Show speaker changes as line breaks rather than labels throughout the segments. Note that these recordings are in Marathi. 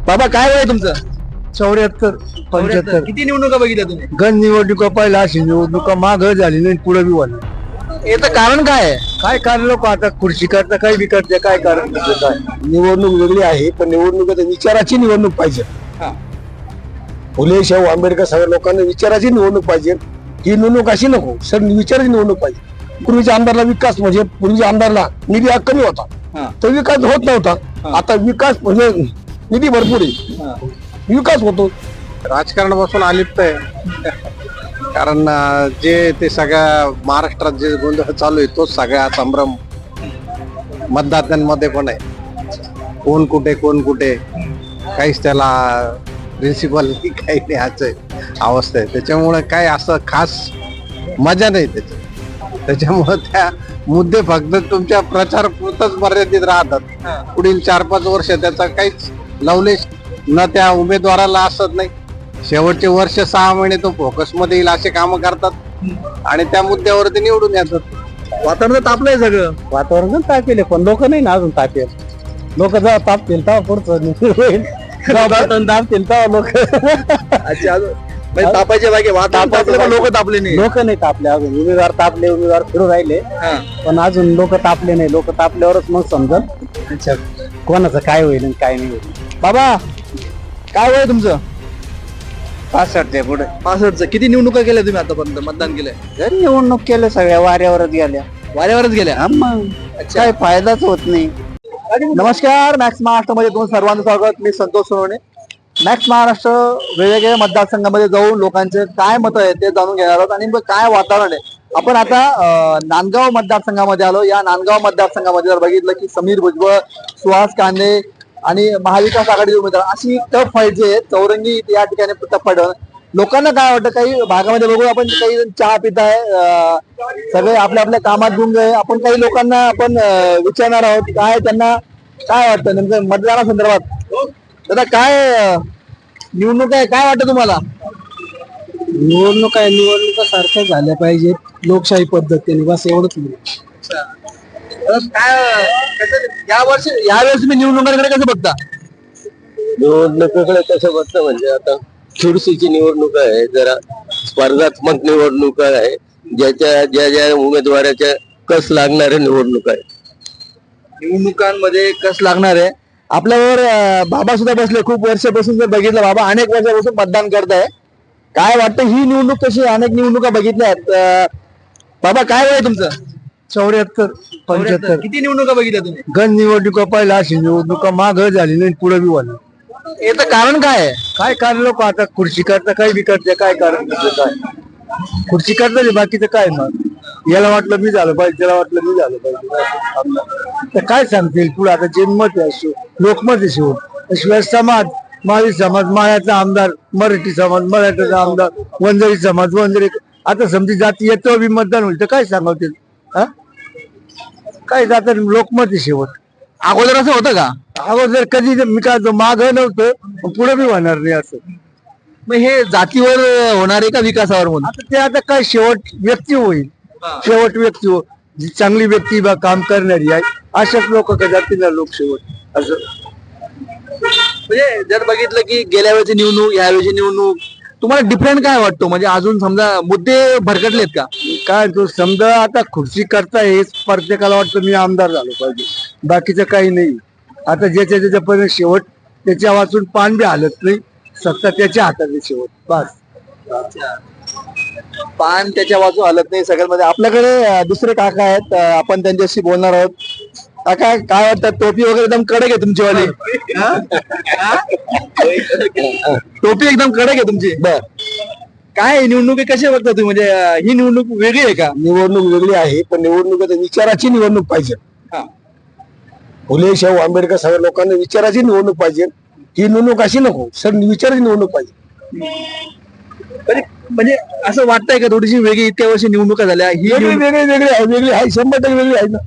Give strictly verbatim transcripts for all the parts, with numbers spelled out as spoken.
बाबा काय वय तुमचं?
चौऱ्याहत्तर पंच्याहत्तर.
किती निवडणुका बघितल्या तुम्ही?
गण निवडणुका पहिला अशी निवडणुका माग झाली नाही पुढे बी वाढली.
याचं कारण काय आहे?
काय कारण लोक आता खुर्ची करता काही बी करते काय कारण त्याचं काय. निवडणूक वेगळी आहे पण निवडणूक आता विचाराची निवडणूक पाहिजे. फुले शाहू आंबेडकर सगळ्या लोकांना विचाराची निवडणूक पाहिजे. ही निवडणूक अशी नको सर विचाराची निवडणूक पाहिजे. पूर्वीच्या आमदारला विकास म्हणजे पूर्वीच्या आमदारला निधी हा कमी होता तर विकास होत नव्हता. आता विकास म्हणजे निधी भरपूर आहे विकास होतो.
राजकारणापासून अलिप्त आहे कारण जे ते सगळ्या महाराष्ट्रात जे गोंधळ चालू आहे तोच सगळ्या संभ्रम मतदात्यांमध्ये पण आहे. कोण कुठे कोण कुठे काहीच त्याला प्रिन्सिपल काही नाही असं अवस्था आहे. त्याच्यामुळे काय असं खास मजा नाही त्याच्यात. त्याच्यामुळे त्या मुद्दे फक्त तुमच्या प्रचार पुरतच मर्यादित राहतात. पुढील चार पाच वर्ष त्याचा काहीच लवलेश न त्या उमेदवाराला असत नाही. शेवटचे वर्ष सहा महिने तो फोकस मध्ये येईल असे काम करतात आणि त्या मुद्द्यावर ते निवडून येतात.
वातावरण तापलंय सगळं.
वातावरण तापेल पण लोक नाही ना अजून तापेल. लोक जेव्हा तापतील तेव्हा पुढचं होईल. तापतील तेव्हा लोक
अच्छा अजून म्हणजे तापायचे बाकी वातावरण तापलं पण लोक तापले नाही.
लोक नाही तापले अजून. उमेदवार तापले उमेदवार फिरू राहिले पण अजून लोक तापले नाही. लोक तापल्यावरच मग समजल
अच्छा
कोणाचं काय होईल आणि काय नाही होईल.
बाबा काय वय तुमचं?
पासष्ट आहे पुढे.
पासष्टचं. किती निवडणुका केल्या तुम्ही आतापर्यंत? मतदान केलंय?
जरी निवडणूक केल्या सगळ्या वाऱ्यावरच गेल्या.
वाऱ्यावरच गेल्या.
मग काय फायदाच होत नाही.
नमस्कार, मॅक्स महाराष्ट्रामध्ये तुमचं सर्वांचं स्वागत. मी संतोष सोनवणे. मॅक्स महाराष्ट्र वेगवेगळ्या मतदारसंघामध्ये जाऊन लोकांचे काय मतं आहेत ते जाणून घेणार आहोत आणि काय वातावरण आहे. आपण आता नांदगाव मतदारसंघामध्ये आलो. या नांदगाव मतदारसंघामध्ये जर बघितलं की समीर भुजबळ, सुहास कांदे आणि महाविकास आघाडीचे उमेदवार अशी टफ फाईट जी आहे चौरंगी या ठिकाणी टफ फाईट. लोकांना काय वाटतं? काही भागामध्ये बघू आपण काही चहा पित आहे सगळे आपल्या आपल्या कामात गुंग आहे. आपण काही लोकांना आपण विचारणार आहोत काय त्यांना काय वाटतं नेमकं मतदानासंदर्भात. दादा काय निवडणूक आहे काय वाटतं तुम्हाला?
निवडणूक आहे निवडणुका सारख्या झाल्या पाहिजेत लोकशाही पद्धतीने बस एवढंच नाही.
काय या वर्षी यावेळेस तुम्ही निवडणुकांकडे कसं बघता?
निवडणुकीकडे कसं बघतं म्हणजे आता चुरशीची निवडणूक आहे. जरा स्पर्धात्मक निवडणूक आहे. ज्याच्या ज्या ज्या उमेदवाराच्या कस लागणाऱ्या निवडणूक आहे.
निवडणुकांमध्ये कस लागणार आहे. आपल्यावर बाबा सुद्धा बसले. खूप वर्षापासून जर बघितलं बाबा अनेक वर्षापासून मतदान करताय. काय वाटतं ही निवडणूक कशी? अनेक निवडणुका बघितल्या आहेत. बाबा काय वय तुमचं?
चौऱ्याहत्तर पंच्याहत्तर.
किती निवडणुका बघितल्या तुम्ही?
गण निवडणुका पहिला अशी निवडणुका माग झाली नाही पुढे बी वाढली.
याचं कारण काय आहे?
काय कारण लोक आता खुर्ची करता काही बी करते काय कारण त्याचं काय. खुर्ची करता बाकीचं काय मग याला वाटलं मी झालं पाहिजे त्याला वाटलं मी झालं पाहिजे तर काय सांगतील पुढे. आता जे मत आहे लोकमत आहे शेवट. शिवाय समाज माळी समाज माळ्याचा आमदार, मराठी समाज मराठ्याचा आमदार, वंजारी समाज वंजारी. आता समजी जाती येतो बी मतदान होईल तर काय सांगतील हा काय जात लोकमत आहे शेवट.
अगोदर असं होतं का?
अगोदर कधी मी काय माग नव्हतं पुढे बी होणार नाही असं.
मग हे जातीवर होणार आहे का विकासावर म्हणून?
आता ते आता काय शेवट व्यक्ती होईल. शेवट व्यक्ती हो जी चांगली व्यक्ती बा काम करणारी आहे अशाच लोक का जातील ना लोक शेवट असं.
म्हणजे जर बघितलं की गेल्या वेळेची निवडणूक यावेळेची निवडणूक तुम्हाला डिफरंट काय वाटतो? म्हणजे अजून समजा मुद्दे भरकटलेत का?
काय तो समजा आता खुर्ची करता हेच प्रत्येकाला वाटतं मी आमदार झालो पाहिजे बाकीचं काही नाही. आता ज्याच्या ज्याच्यापर्यंत शेवट त्याच्या वाचून पान बी हालत नाही. सत्ता त्याच्या हातात आहे शेवट बस.
पान त्याच्या बाजू हलत नाही सगळ्यांमध्ये. आपल्याकडे दुसरे काका आहेत आपण त्यांच्याशी बोलणार आहोत. काका काय वाटतं? टोपी वगैरे एकदम कडक आहे तुमचीवाली. टोपी एकदम कडक आहे तुमची. बर काय निवडणूक कशी बघता तुम्ही? म्हणजे ही निवडणूक वेगळी आहे का?
निवडणूक वेगळी आहे पण निवडणूक आता विचाराची निवडणूक पाहिजे. फुले शाहू आंबेडकर सगळ्या लोकांना विचाराची निवडणूक पाहिजे. ही निवडणूक अशी नको सर विचाराची निवडणूक पाहिजे.
म्हणजे असं वाटतंय का थोडीशी वेगळी इतक्या वर्षी निवडणुका झाल्या ही
वेगळी वेगळी वेगळी आहे वेगळी आहे शंभर टक्के वेगळी आहे ना.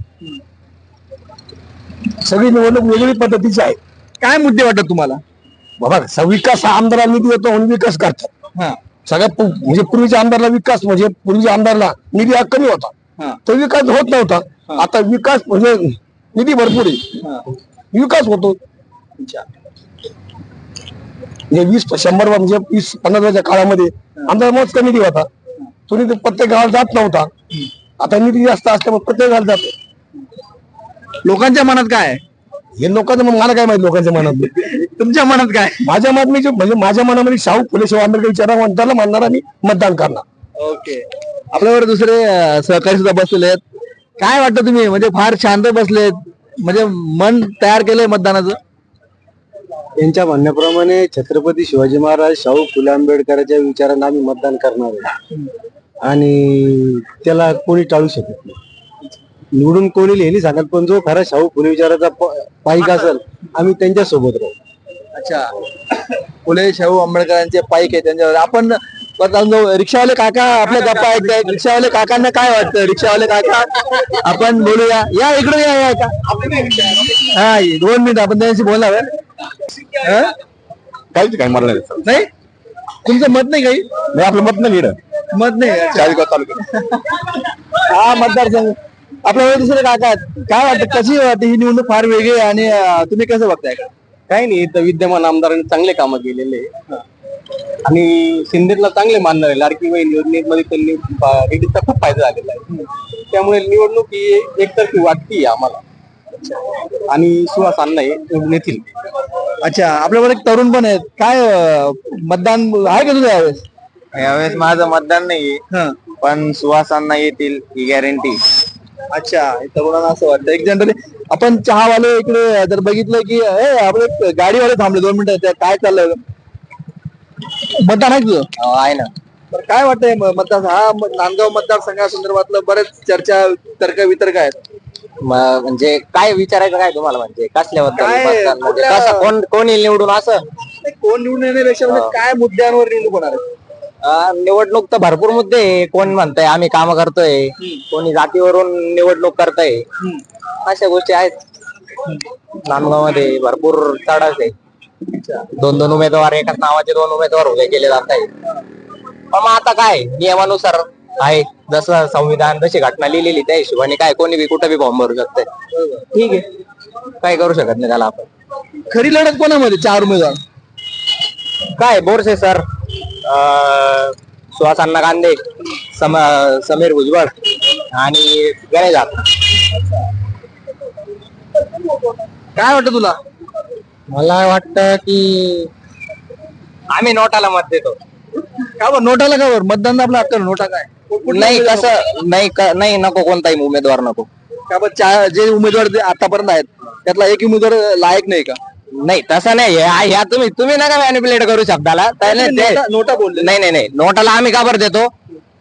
सगळी निवडणूक वेगळी पद्धतीची आहे.
काय मुद्दे वाटतात तुम्हाला?
बाबा विकास हा आमदारांनी येतो म्हणून विकास करतात. सगळ्यात म्हणजे पूर्वीच्या आमदारला विकास म्हणजे पूर्वीच्या आमदारला निधी हा कमी होता तर विकास होत नव्हता. आता विकास म्हणजे निधी भरपूर आहे विकास होतो. म्हणजे वीस शंभर म्हणजे वीस पन्नास वर्षाच्या काळामध्ये आमचा मोज कमी निधी होता. तो निधी प्रत्येक गावात जात नव्हता. आता निधी जास्त असल्यामुळे प्रत्येक गावात जातो.
लोकांच्या मनात काय आहे?
हे लोकांचं मग मला काय माहिती लोकांच्या मनात.
तुमच्या मनात काय?
माझ्या मत मी जे- म्हणजे माझ्या मनामध्ये शाहू फुले शाहू आंबेडकर विचारा म्हणताना म्हणणार मी मतदान करणार.
ओके. आपल्यावर दुसरे अं, सहकारी सुद्धा बसलेले आहेत. काय वाटतं तुम्ही, म्हणजे फार शांत बसलेत, म्हणजे मन तयार केलंय मतदानाचं?
त्यांच्या म्हणण्याप्रमाणे छत्रपती शिवाजी महाराज शाहू फुले आंबेडकरांच्या विचारांना आम्ही मतदान करणार आहे आणि त्याला कोणी टाळू शकत नाही. निवडून कोणी लिहिली सांगत, पण जो खरा शाहू फुले विचाराचा प- पाईक असेल आम्ही त्यांच्या सोबत राहू.
अच्छा, फुले शाहू आंबेडकरांचे पाईक आहे त्यांच्यावर आपण परत अजून जाऊ. रिक्षावाले काका आपल्या गप्पा ऐकतायत. रिक्षावाले काकांना काय वाटतं? रिक्षावाले काका आपण बोलूया. या इकडे या, या का हा दोन मिनिट आपण त्यांच्याशी बोलणार आहे. हं?
काहीच काही मला नाही.
नाही, तुमचं मत नाही काही?
नाही, आपलं मत नाही लिहिलं.
मत नाही.
चाळीसगाव तालुक्यात
हा मतदारसंघ. आपल्या दुसरे काका आहेत. काय वाटतं, कशी वाटते ही निवडणूक? फार वेगळी आहे आणि अं, तुम्ही कसं बघताय?
काही नाही, तर विद्यमान आमदारांनी चांगले कामं केलेले आणि शिंदेला चांगले मानणार आहे. लाडकी बहीण योजनेमध्ये त्यांनी लेडीजचा खूप फायदा झालेला आहे. त्यामुळे निवडणूक ही एकतर्फी वाटती आम्हाला आणि सुहास अण्णा हे निवडून येतील.
अच्छा, आपल्यावर एक तरुण पण आहेत. काय अं, मतदान आहे का तुझं यावेळेस?
यावेळेस माझं मतदान नाही,
हं.
पण सुहासांना येतील ही गॅरंटी.
अच्छा, हे तरुणांना असं वाटतं. एक जनरली आपण चहावाले इकडे जर बघितलं की ए, आपले गाडीवाले थांबले दोन मिनिटं, त्या काय चाललंय? मतदान आहे तुझं?
आहे ना.
तर काय वाटतंय म- मतदार हा म- नांदगाव मतदारसंघासंदर्भातलं बरेच चर्चा, तर्क वितर्क आहेत.
म्हणजे काय विचारायचं काय तुम्हाला, म्हणजे कसल्याबद्दल
काय-
मतदान, म्हणजे
कुठल्या-
कसं, कोण कोण येईल निवडून असं?
ते कोण निवडून येण्यापेक्षा म्हणजे काय मुद्द्यांवर निवडणूक होणार आहे?
अं, निवडणूक तर भरपूर मुद्दे आहे. कोण म्हणतंय आम्ही काम करतोय, कोणी जातीवरून निवडणूक करतय, अशा गोष्टी आहेत. नांदगाव मध्ये भरपूर चढाच आहे. दोन दोन उमेदवार, एकाच नावाचे दोन उमेदवार उभे केले जात आहे. पण मग आता काय, नियमानुसार आहे, जसं संविधान जशी घटना लिहिलेली त्या हिशोबाने काय कोणी बी कुठं बी फॉर्म भरू शकतंय. ठीक आहे, काय करू शकत नाही त्याला आपण.
खरी लढत कोणामध्ये? चार उमेदवार
काय बोरसे सर, सुहास अण्णा कांदे, सम समीर भुजबळ आणि गणेश जाधव.
काय वाटतं तुला?
मला वाटतं की आम्ही नोटाला मत देतो.
का बरं नोटाला? का बरं? मतदान आपला हक्क आहे, नोटा काय?
नाही कसं नाही क- नाही नको, कोणताही उमेदवार नको.
का बरं? चा- जे उमेदवार जे आतापर्यंत आहेत त्यातला एक उमेदवार लायक नाही का?
नाही तसं नाही, ह्या ह्या तुम्ही तुम्ही नका मॅनिप्युलेट करू शब्दाला. त्याने ते-
नोटा- नोटा बोलले.
नाही नाही नाही, नोटाला आम्ही का बरं देतो?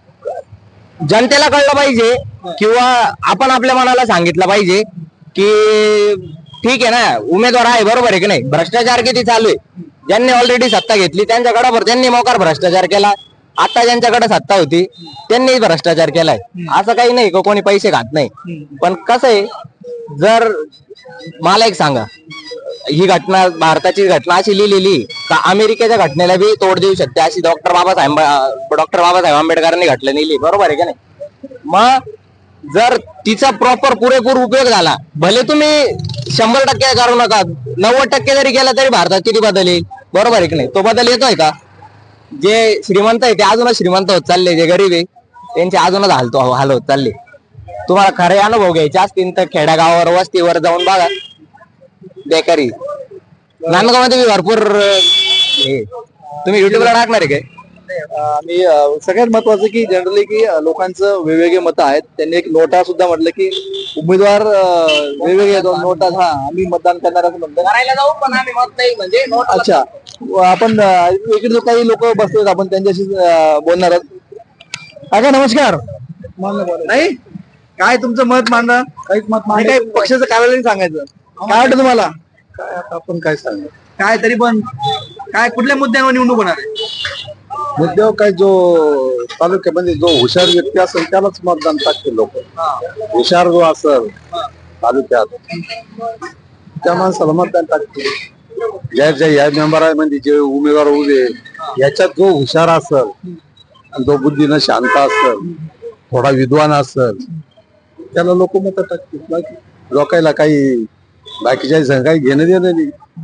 जनतेला कळलं पाहिजे किंवा आपण आपल्या मनाला सांगितलं पाहिजे की ठीक आहे ना, उमेदवार आहे बरोबर आहे की नाही. भ्रष्टाचार किती चालू आहे, ज्यांनी ऑलरेडी सत्ता घेतली त्यांच्याकडे भर त्यांनी मोकार भ्रष्टाचार केला. आता ज्यांच्याकडे सत्ता होती त्यांनी भ्रष्टाचार केलाय. असं काही नाही का कोणी पैसे खात नाही. पण कसं आहे, जर मला एक सांगा, ही घटना भारताची घटना अशी लिहिलेली का अमेरिकेच्या घटनेला बी तोड देऊ शकते, अशी डॉक्टर बाबासाहेब डॉक्टर बाबासाहेब आंबेडकरांनी घटना लिहिली, बरोबर आहे का नाही. मग जर तिचा प्रॉपर पुरेपूर उपयोग झाला, भले तुम्ही शंभर टक्के करू नका, नव्वद टक्के जरी केला तरी भारतात किती बदल येईल, बरोबर आहे की नाही. तो बदल येतोय का? जे श्रीमंत आहे ते अजूनच श्रीमंत होत चालले, जे गरीब आहे त्यांचे अजूनच हालतो हाल होत चालले. तुम्हाला खरे अनुभव घ्यायचे असतील तर खेड्यागावावर वस्तीवर जाऊन बघा. बेकारी नांदगाव मध्ये भरपूर अं, हे तुम्ही युट्यूबला टाकणार आहे काय?
आणि अं, सगळ्यात महत्वाचं की जनरली की अं, लोकांचं वेगवेगळे मतं आहेत. त्यांनी एक नोटा सुद्धा म्हटलं की उमेदवार अं, वेगवेगळे आहेत. नोटा हा आम्ही मतदान करणार असं म्हणतात.
करायला जाऊ पण आम्ही मत नाही म्हणजे
अच्छा, व आपण अं, इकडे जो काही लोक बसलेत आपण त्यांच्याशी अं, बोलणार आहोत. काका नमस्कार. नाही काय तुमचं मत मांडा? काहीच मत मांडा, काय पक्षाचं कार्यालय सांगायचं. काय वाटतं तुम्हाला?
काय आता आपण काय सांगू,
काय तरी पण काय कुठल्या मुद्द्यांवर निवडणूक होणार आहे?
मुद्द्यावर काय, जो तालुक्यामध्ये जो हुशार व्यक्ती असेल त्यालाच मतदान टाकते लोक. हुशार जो असेल तालुक्यात त्या माणसाला मतदान टाकते. ज्या ज्या या मेंबरामध्ये जे उमेदवार उभे याच्यात जो हुशार असेल, जो बुद्धीनं शांत असेल, थोडा विद्वान असेल, त्याला लोक मत टाकतील. बाकी लोकायला काही बाकीच्या संघ काही घेणं देणं नाही.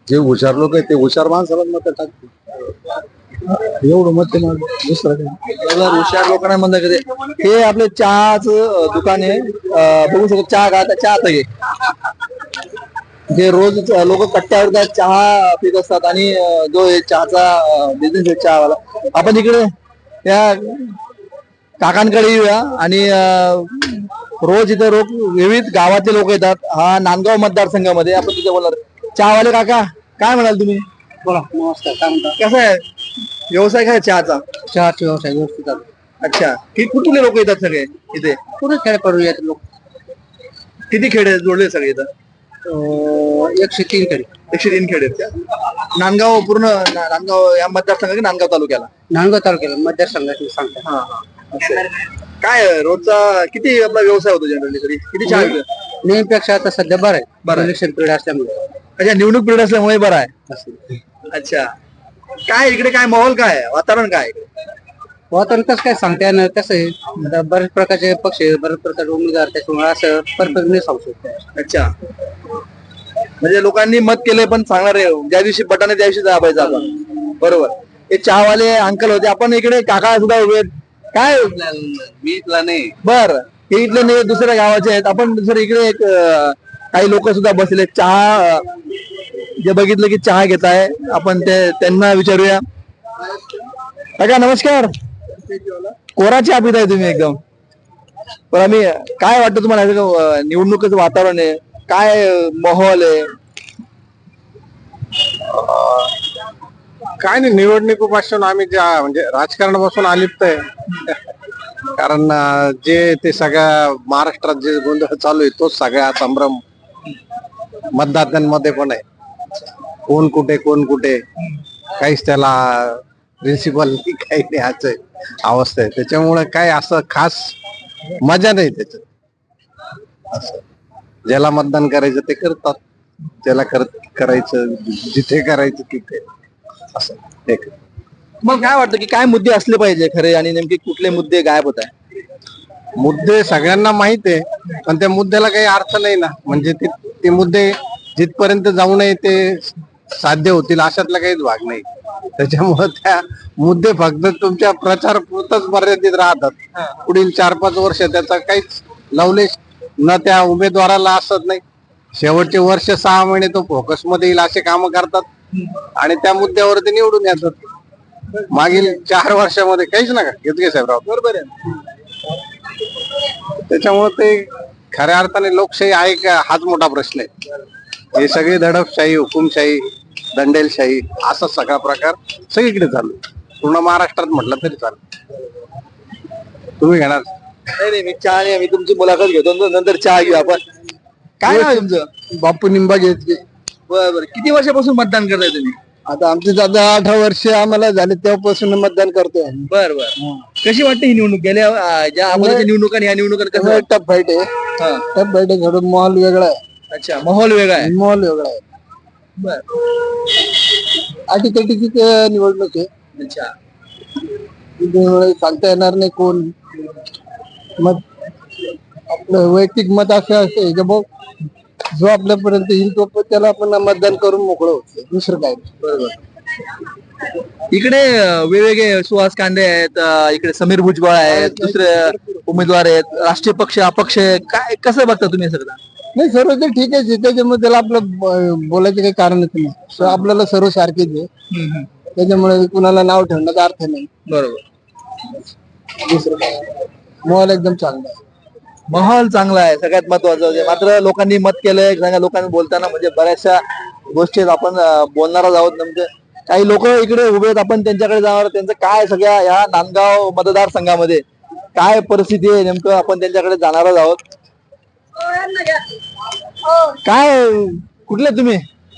जे हुशार लोक आहेत ते हुशार माणसाला मत टाकतील एवढं मत ते माझं. दुसरं काय
बरोबर, हुशार लोकांना म्हणलं कधी हे आपले चहाचं दुकान आहे. अं, बघू शकतो चहा का चहा आता घे जे रोज लोक कट्ट्यावर जात चहा पित असतात आणि अं, जो हे चहाचा बिझनेस आहे चहावाला. आपण इकडे त्या काकांकडे येऊया आणि अं, रोज इथे रोज विविध गावातले लोक येतात. हा नांदगाव मतदारसंघामध्ये आपण तिथे बोलणार. चहावाले काका काय म्हणाल तुम्ही?
बोला नमस्कार काय म्हणता
कसं आहे व्यवसाय काय आहे चहाचा?
चहाचे व्यवसाय व्यवस्थित चालू
अच्छा, कि कुठले लोक येतात सगळे इथे?
पुढे खेळ पडू येत लोक
किती खेडे आहेत जोडले सगळे इथं?
अं, एकशे तीन कडे
एकशे तीन खेडे आहेत का? नांदगाव पूर्ण ना- नांदगाव या मतदारसंघात की नांदगाव तालुक्याला?
नांदगाव तालुक्याला मतदारसंघात सांगता
हा हा असं आहे. काय आहे, रोजचा किती आपला व्यवसाय होतो जनरली तरी किती चहा विकतो?
नेहमीपेक्षा आता सध्या बरं आहे
बरं आहे.
इलेक्शन पिरियड असल्यामुळे
अच्छा, निवडणूक पिरियड असल्यामुळे बरं आहे.
असं.
अच्छा, काय इकडे काय माहोल काय आहे? वातावरण काय आहे इकडे?
वातावरण कसं काय सांगता येणार कसं आहे आता बरेच प्रकारचे पक्ष आहे, बरेच प्रकारचे उमेदवार त्याच्यामुळे असं परफेक्ट नाही सांगू शकतो.
अच्छा, म्हणजे लोकांनी मत केलंय पण सांगणार आहे ज्या दिवशी बटाने त्या दिवशी दाबायचं आपण. बरोबर. हे चहावाले अंकल होते. आपण इकडे काका सुद्धा उभे आहेत. काय
मी इथला नाही
बर हे इथले नाही दुसऱ्या गावाचे आहेत. आपण दुसरे इकडे एक अं, काही लोक सुद्धा बसले चहा अं, जे बघितलं की चहा घेत आहे आपण ते त्यांना विचारूया. काका नमस्कार. कोरा चहा पिताय तुम्ही एकदम. पण आम्ही काय वाटतं तुम्हाला अं, निवडणुकीचं वातावरण आहे काय अं, माहोल आहे?
काय नाही निवडणुकीपासून आम्ही ज्या म्हणजे राजकारणापासून अलिप्त आहे कारण अं, जे ते सगळ्या महाराष्ट्रात जे गोंधळ चालू आहे तोच सगळा संभ्रम मतदात्यांमध्ये पण आहे. कोण कुठे कोण कुठे काहीच त्याला प्रिन्सिपल काही नाही असं अवस्था आहे. त्याच्यामुळे काय असं खास मजा नाही त्याच्यात. असं ज्याला मतदान करायचं ते करतात, त्याला करत करायचं जिथे करायचं तिथे असं एक.
मग काय वाटतं की काय मुद्दे असले पाहिजे खरे आणि नेमके कुठले मुद्दे गायब होत आहे?
मुद्दे सगळ्यांना माहित आहे पण त्या मुद्द्याला काही अर्थ नाही ना. म्हणजे ते ते मुद्दे जिथपर्यंत जाऊ नये ते साध्य होतील अशातला काहीच भाग नाही. त्याच्यामुळे त्या मुद्दे फक्त तुमच्या प्रचार पुरतच मर्यादित राहतात. पुढील चार पाच वर्ष त्याचा काहीच लवलेश न त्या उमेदवाराला असत नाही. शेवटचे वर्ष सहा महिने तो फोकस मध्ये येईल असे काम करतात आणि त्या मुद्द्यावर ते निवडून येतात. मागील चार वर्षामध्ये काहीच नका घेत घे साहेबराव.
बरोबर आहे.
त्याच्यामुळे ते खऱ्या अर्थाने लोकशाही आहे का हाच मोठा प्रश्न आहे. हे सगळे दडपशाही हुकुमशाही दंडेलशाही असा सगळा प्रकार सगळीकडे चालू आहे. पूर्ण महाराष्ट्रात म्हटलं तरी चालू. तुम्ही घेणार?
नाही नाही मी चहा नाही, मी तुमची मुलाखत घेतो नंतर- नंतर चहा घेऊ आपण. काय नाव आहे तुमचं?
बापू निंबा घेतले
बरं बरं. किती वर्षापासून मतदान करताय तुम्ही?
आता आमचे दादा अठरा वर्ष आम्हाला झाले तेव्हापासून मतदान करतोय.
बर बर. कशी वाटते ही निवडणूक गेल्या अं, ज्या अगोदरच्या निवडणुका आणि या निवडणुकात कसं वाटतं?
टप फाईट आहे
हा.
टप फाईट आहे थोडं मॉल वेगळा आहे
अच्छा, माहोल वेगळा आहे.
मॉल वेगळा आहे
बर.
अटीतटीची निवडणूक आहे
अच्छा.
त्यामुळे सांगता येणार नाही कोण मत आपलं वैयक्तिक मत असं असते की भाऊ जो आपल्यापर्यंत येईल तो पण त्याला आपण मतदान करून मोकळं होतं. दुसरं काय नाही.
बरोबर. इकडे अं, वेगवेगळे सुहास कांदे आहेत, अं, इकडे समीर भुजबळ आहेत, दुसरे उमेदवार आहेत, राष्ट्रीय पक्ष अपक्ष आहे. काय कसं बघता तुम्ही सगळं?
नाही सर्व ते ठीक आहे त्याच्यामुळे त्याला आपलं ब- बोलायचं काही कारणच नाही. So आपल्याला सर्व सारखेच आहे त्याच्यामुळे कुणाला नाव ठेवण्याचा अर्थ नाही.
बरोबर.
दुसरं काय मॉल एकदम चांगला आहे.
माहोल चांगला आहे सगळ्यात महत्वाचं म्हणजे. मात्र लोकांनी मत केलंय सगळ्या लोकांनी बोलताना म्हणजे बऱ्याचशा गोष्टी आहेत. आपण अं, बोलणारच आहोत. म्हणजे काही लोक इकडे उभे आहेत आपण त्यांच्याकडे जाणार. त्यांचं काय सगळ्या ह्या नांदगाव मतदारसंघामध्ये काय परिस्थिती आहे नेमकं आपण त्यांच्याकडे जाणारच आहोत. काय कुठले तुम्ही?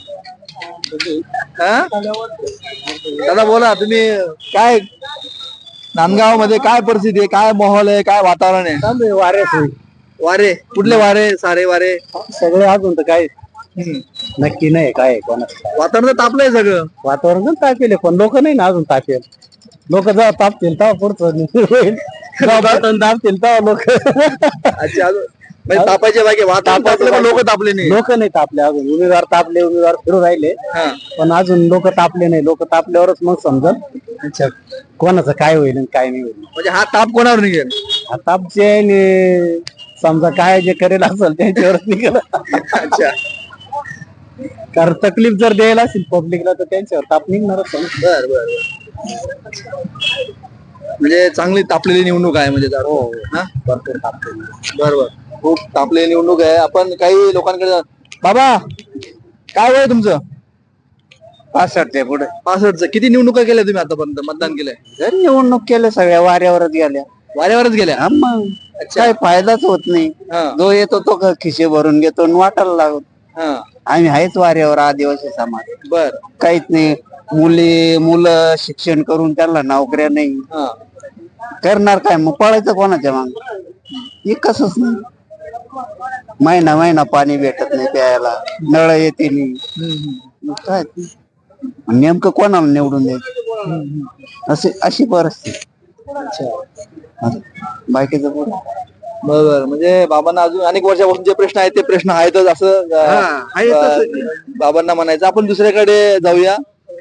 हा? दादा बोला तुम्ही. काय नांदगाव मध्ये काय परिस्थिती आहे काय माहोल आहे काय वातावरण आहे?
वारे
वारे कुठले वारे? सारे वारे
सगळे अजून तर काय नक्की नाही काय कोणा
वातावरण तर तापलंय सगळं.
वातावरण तापेल पण लोक नाही ना अजून तापेल. लोक जेव्हा तापतील तेव्हा पुढचं होईल. जेव्हा बटन दाबतील तेव्हा लोक
अच्छा. अजून म्हणजे तापायचे बाकी वातावरण तापले पण लोक तापले नाही.
लोक नाही तापले अजून, उमेदवार तापले, उमेदवार फिरू राहिले,
हा.
पण अजून लोक तापले नाही. लोक तापल्यावरच मग समजल
अच्छा.
कोणाचं काय होईल आणि काय नाही होईल.
म्हणजे हा ताप कोणावर निघेल?
हा ताप जे आहे नि- समजा काय जे करेल असेल त्यांच्यावरच निघेल.
अच्छा.
कारण तकलीफ जर द्यायला असेल पब्लिकला तर त्यांच्यावर ताप निघणारच आहे ना.
बर बर म्हणजे चांगली तापलेली निवडणूक आहे म्हणजे दादा. हा?
भरपूर तापले.
बर बर खूप तापलेली निवडणूक आहे. आपण काही लोकांकडे जा- बाबा काय वय आहे तुमचं?
पासष्ट आहे पुढे.
पासष्टचं. किती निवडणुका केल्या तुम्ही आतापर्यंत? मतदान केलंय?
जर निवडणूक केल्या सगळ्या वाऱ्यावरच गेल्या.
वाऱ्यावरच गेल्या?
हा मग काय फायदाच होत नाही.
हा.
जो येतो तो क- खिशे भरून घेतो आणि वाटायला लागतो.
हा.
आम्ही आहेच वाऱ्यावर आदिवासी समाज.
बर.
काहीच नाही. मुली मुलं शिक्षण करून त्यांना नोकऱ्या नाही.
हा.
करणार काय मग? पळायचं कोणाच्या माग? हे कसच नाही. महिना महिना पाणी भेटत नाही प्यायला, नळ येते नाही. मग काय ते? नेमकं कोणाला निवडून द्यायचं असे अशी परिस्थिती. बाकीचं बोल.
बर म्हणजे बाबांना अजून अनेक वर्षापासून जे प्रश्न आहेत ते प्रश्न आहेतच असं अं, अं, बाबांना म्हणायचं. आपण दुसऱ्याकडे जाऊया.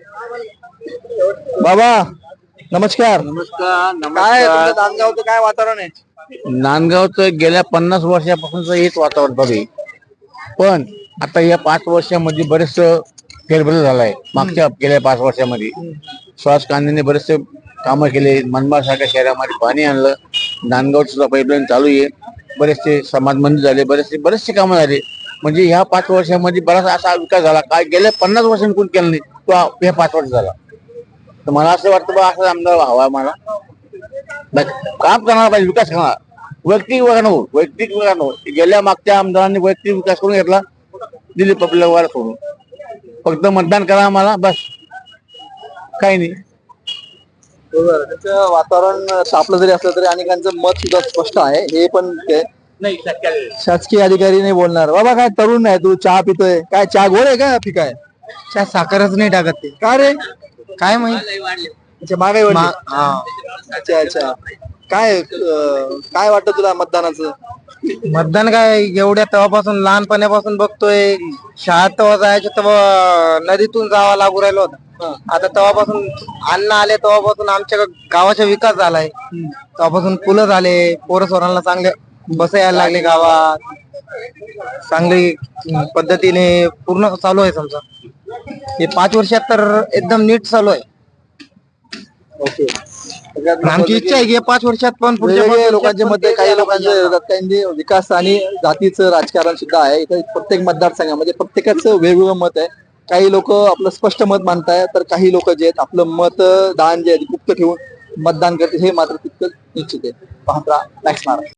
बाबा नमस्कार.
नमस्कार.
काय तुमचं नांदगावचं काय वातावरण आहे?
नांदगावचं गेल्या पन्नास वर्षापासूनच हेच वातावरण बघे, पण आता या पाच वर्षामध्ये बरेच फेरबदल झालाय. मागच्या गेल्या पाच वर्षामध्ये सुहास कांदेने बरेचसे कामं केले. मनमाड सारख्या शहरामध्ये पाणी आणलं. नांदगावचं सुद्धा पाईपलाईन चालू आहे. बरेचसे समाज मंदिर झाले, बरेचसे बरेचसे कामं झाले. म्हणजे ह्या पाच वर्षामध्ये बराच असा विकास झाला काय गेल्या पन्नास वर्षांनी कोण केला नाही तो ह्या पाच वर्ष झाला. तर मला असं वाटतं बा असं आमदार हवा मला. बस काम करणार पाहिजे, विकास करणार. वैयक्तिक विकास नको, वैयक्तिक विकास नको. गेल्या मागच्या आमदारांनी वैयक्तिक विकास करून घेतला, दिली पब्लिक सोडून. फक्त मतदान करा आम्हाला बस, काही नाही.
बरोबर. त्याचं वातावरण तापलं जरी असलं तरी अनेकांचं मत सुद्धा स्पष्ट आहे. हे पण ते शासकीय अधिकारी नाही बोलणार. बाबा काय तरुण आहे तू, चहा पितोय काय? चहा गोड आहे का फिका आहे?
त्या साखरच नाही टाकत ते.
का रे?
काय माहिती.
अच्छा महागाई वाढली. अच्छा अच्छा. काय अं, काय वाटतं तुला मतदानाचं?
मतदान काय एवढ्या तेव्हापासून लहानपणापासून बघतोय. शाळेत तेव्हा जायचं तेव्हा नदीतून जावा लागू राहिलो होता. आता तेव्हापासून अन्न आले तेव्हापासून आमच्या गावाचा विकास झालाय. तेव्हापासून पुलं झाले, पोरं सोरांना चांगले बस यायला लागले गावात. चांगली पद्धतीने पूर्ण चालू आहे समजा. हे पाच वर्षात तर एकदम नीट चालू आहे.
ओके.
आमची इच्छा आहे की हे पाच वर्षात पण पुढच्या
वेगवेगळ्या
पाच
लोकांच्या
वर्षात
मध्ये
पण
काही
ते
लोकांच्या विरोधात काही विकास आणि जातीचं राजकारण सुद्धा आहे. इथं प्रत्येक मतदारसंघामध्ये प्रत्येकाचं वेगवेगळं मत आहे. काही लोक आपलं स्पष्ट मत मानताय तर काही लोक जे आहेत आपलं मतदान जे आहे गुप्त ठेवून मतदान करतील. हे मात्र तितकं निश्चित आहे. पाहता मॅक्स महाराष्ट्र.